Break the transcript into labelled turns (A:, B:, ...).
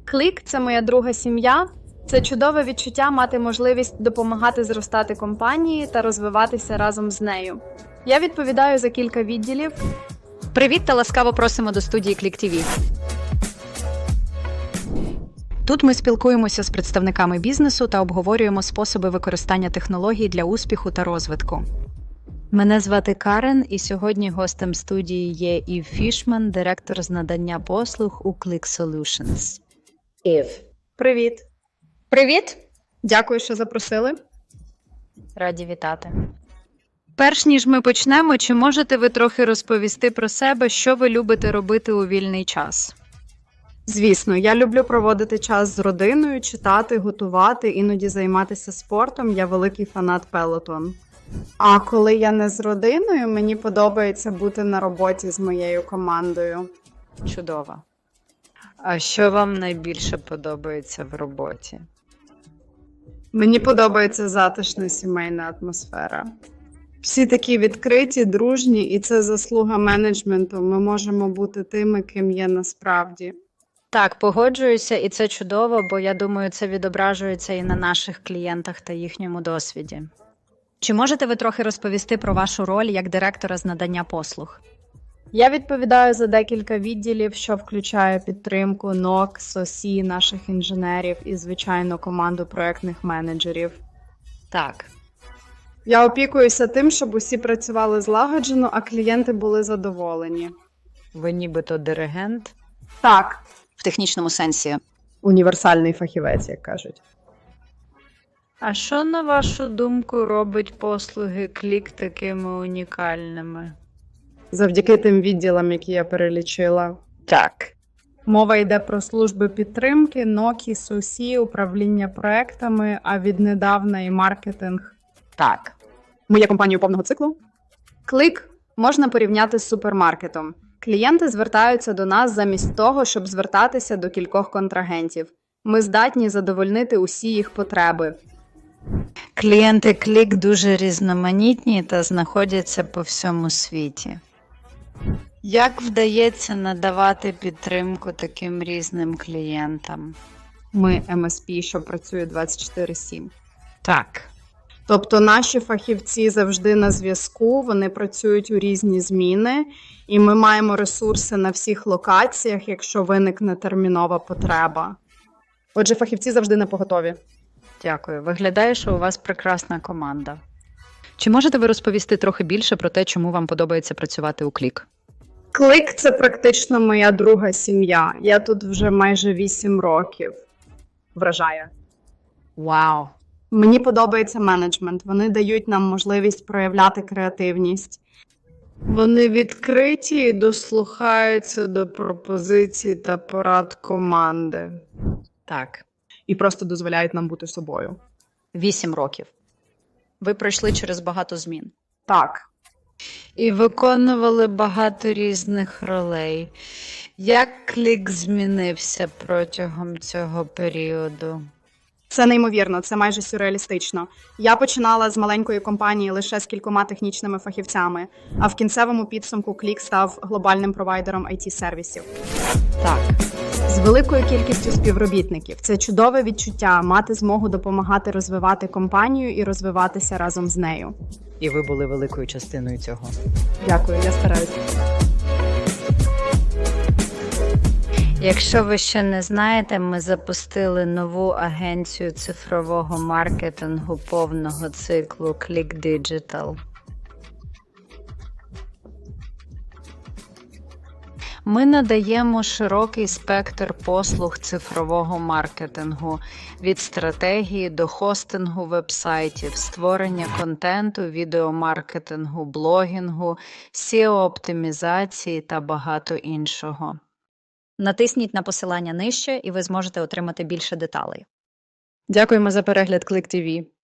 A: Клік – це моя друга сім'я. Це чудове відчуття мати можливість допомагати зростати компанії та розвиватися разом з нею. Я відповідаю за кілька відділів.
B: Привіт та ласкаво просимо до студії Click TV. Тут ми спілкуємося з представниками бізнесу та обговорюємо способи використання технологій для успіху та розвитку. Мене звати Карен, і сьогодні гостем студії є Ів Фішман, директор з надання послуг у Click Solutions.
C: Ів.
A: Привіт!
B: Привіт!
A: Дякую, що запросили.
B: Раді вітати. Перш ніж ми почнемо, чи можете ви трохи розповісти про себе, що ви любите робити у вільний час?
A: Звісно, я люблю проводити час з родиною, читати, готувати, іноді займатися спортом. Я великий фанат Peloton. А коли я не з родиною, мені подобається бути на роботі з моєю командою.
B: Чудово. А що вам найбільше подобається в роботі?
A: Мені подобається затишна сімейна атмосфера. Всі такі відкриті, дружні, і це заслуга менеджменту. Ми можемо бути тими, ким є насправді.
B: Так, погоджуюся, і це чудово, бо я думаю, це відображується і на наших клієнтах та їхньому досвіді. Чи можете ви трохи розповісти про вашу роль як директора з надання послуг?
A: Я відповідаю за декілька відділів, що включає підтримку НОК, СОСІ, наших інженерів і, звичайно, команду проєктних менеджерів.
B: Так.
A: Я опікуюся тим, щоб усі працювали злагоджено, а клієнти були задоволені.
B: Ви нібито диригент?
A: Так,
B: В технічному сенсі.
A: універсальний фахівець, як кажуть.
B: А що, на вашу думку, робить послуги Click такими унікальними?
A: Завдяки тим відділам, які я перелічила.
B: Так.
A: Мова йде про служби підтримки, НОКі, СОСІ, управління проектами, а віднедавна і маркетинг.
B: Так.
A: Ми є компанією повного циклу. Клик можна порівняти з супермаркетом. Клієнти звертаються до нас замість того, щоб звертатися до кількох контрагентів. Ми здатні задовольнити усі їх потреби.
B: Клієнти Click дуже різноманітні та знаходяться по всьому світі. Як вдається надавати підтримку таким різним клієнтам?
A: Ми MSP, що працює 24/7.
B: Так.
A: Тобто наші фахівці завжди на зв'язку, вони працюють у різні зміни, і ми маємо ресурси на всіх локаціях, якщо виникне термінова потреба. Отже, фахівці завжди напоготові.
B: Дякую. Виглядає, що у вас прекрасна команда. Чи можете ви розповісти трохи більше про те, чому вам подобається працювати у Click?
A: Клик – це практично моя друга сім'я. Я тут вже майже 8 років. Вражає.
B: Вау!
A: Мені подобається менеджмент. Вони дають нам можливість проявляти креативність. Вони відкриті і дослухаються до пропозицій та порад команди.
B: Так.
A: І просто дозволяють нам бути собою.
B: 8 років. Ви пройшли через багато змін.
A: Так.
B: І виконували багато різних ролей. Як Click змінився протягом цього періоду?
A: Це неймовірно, це майже сюрреалістично. Я починала з маленької компанії лише з кількома технічними фахівцями, а в кінцевому підсумку Click став глобальним провайдером IT-сервісів.
B: Так.
A: З великою кількістю співробітників. Це чудове відчуття мати змогу допомагати розвивати компанію і розвиватися разом з нею.
B: І ви були великою частиною цього.
A: Дякую, я стараюся.
B: Якщо ви ще не знаєте, ми запустили нову агенцію цифрового маркетингу повного циклу Click Digital. Ми надаємо широкий спектр послуг цифрового маркетингу – від стратегії до хостингу вебсайтів, створення контенту, відеомаркетингу, блогінгу, SEO-оптимізації та багато іншого. Натисніть на посилання нижче, і ви зможете отримати більше деталей.
A: Дякуємо за перегляд Click TV.